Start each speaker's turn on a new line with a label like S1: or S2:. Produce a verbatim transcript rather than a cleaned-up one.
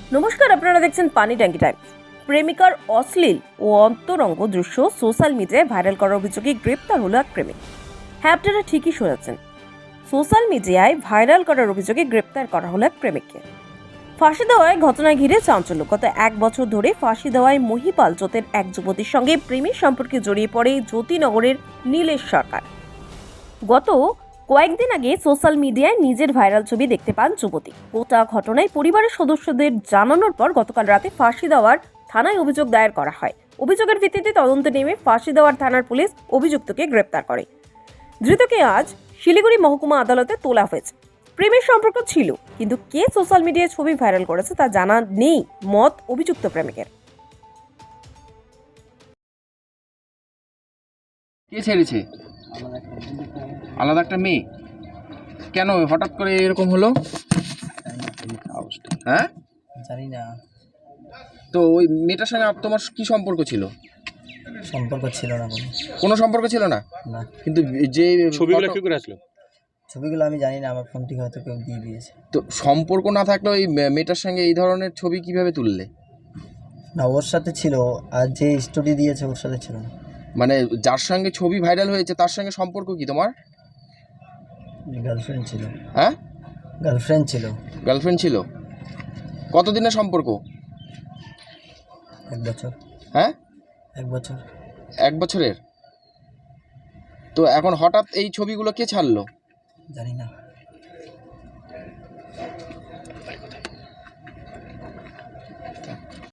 S1: নমস্কার, আপনারা দেখছেন পানি ট্যাঙ্কি টাইম। প্রেমিকার অশ্লীল ও অন্তরঙ্গ দৃশ্য সোশ্যাল মিডিয়ায় ভাইরাল করার অভিযোগে গ্রেপ্তার হলো এক প্রেমিক। হ্যাঁ, আপনারা ঠিকই শুনেছেন, সোশ্যাল মিডিয়ায় ভাইরাল করার অভিযোগে গ্রেপ্তার করা হলো এক প্রেমিককে। ফাঁসি দেওয়ায় ঘটনা ঘিরে চাঞ্চল্য। গত এক বছর ধরে ফাঁসি দেওয়ায় মহিপাল জ্যোতের এক যুবতীর সঙ্গে প্রেমের সম্পর্কে জড়িয়ে পড়ে জ্যোতিনগরের নীলেশ সরকার। গত কয়েকদিন আগে সোশ্যাল মিডিয়ায় নিজের ভাইরাল ছবি দেখতে পান যুবতী। গোটা ঘটনায় পরিবারের সদস্যদের জানানোর পর গতকাল রাতে ফাঁসি দেওয়ার থানায় অভিযোগ দায়ের করা হয়। অভিযোগের ভিত্তিতে তদন্তে নেমে ফাঁসি দেওয়ার থানার পুলিশ অভিযুক্তকে গ্রেপ্তার করে। ধৃতকে আজ শিলিগুড়ি মহকুমা আদালতে তোলা হয়েছে। প্রেমের সম্পর্ক ছিল, কিন্তু কে সোশ্যাল মিডিয়ায় ছবি ভাইরাল করেছে তা জানা নেই মত অভিযুক্ত প্রেমিকের।
S2: কে ছেড়েছে? আলাদা একটা মেয়ে। কেন হঠাৎ করে এরকম হলো? হ্যাঁ,
S3: জানি না,
S2: তো ওই মেয়েটার সঙ্গে আপ- তোমার কি সম্পর্ক ছিল?
S3: সম্পর্ক ছিল না কোনো।
S2: কোনো সম্পর্ক ছিল না,
S3: না,
S2: কিন্তু যে
S4: ছবিগুলো
S2: ফটো-
S4: কি করে আসলো?
S3: ছবিগুলো আমি জানি না, আমার ফোন থেকে হয়তো কেউ দিয়ে দিয়েছে।
S2: তো সম্পর্ক না থাকলে ওই মে- মেয়েটার সঙ্গে এই ধরনের ছবি কিভাবে তুললে?
S3: না, ওর সাথে ছিল, আর যে স্টোরি দিয়েছে ওর সাথে ছিল না।
S2: মানে যার সঙ্গে ছবি ভাইরাল হয়েছে তার সঙ্গে সম্পর্ক কি তোমার?
S3: গার্লফ্রেন্ড ছিল।
S2: হ্যাঁ,
S3: গার্লফ্রেন্ড ছিল।
S2: গার্লফ্রেন্ড ছিল। কতদিনের সম্পর্ক?
S3: এক বছর।
S2: হ্যাঁ,
S3: এক বছর।
S2: এক বছরের। তো এখন হঠাৎ এই ছবিগুলো কে ছাড়লো?
S3: জানি না।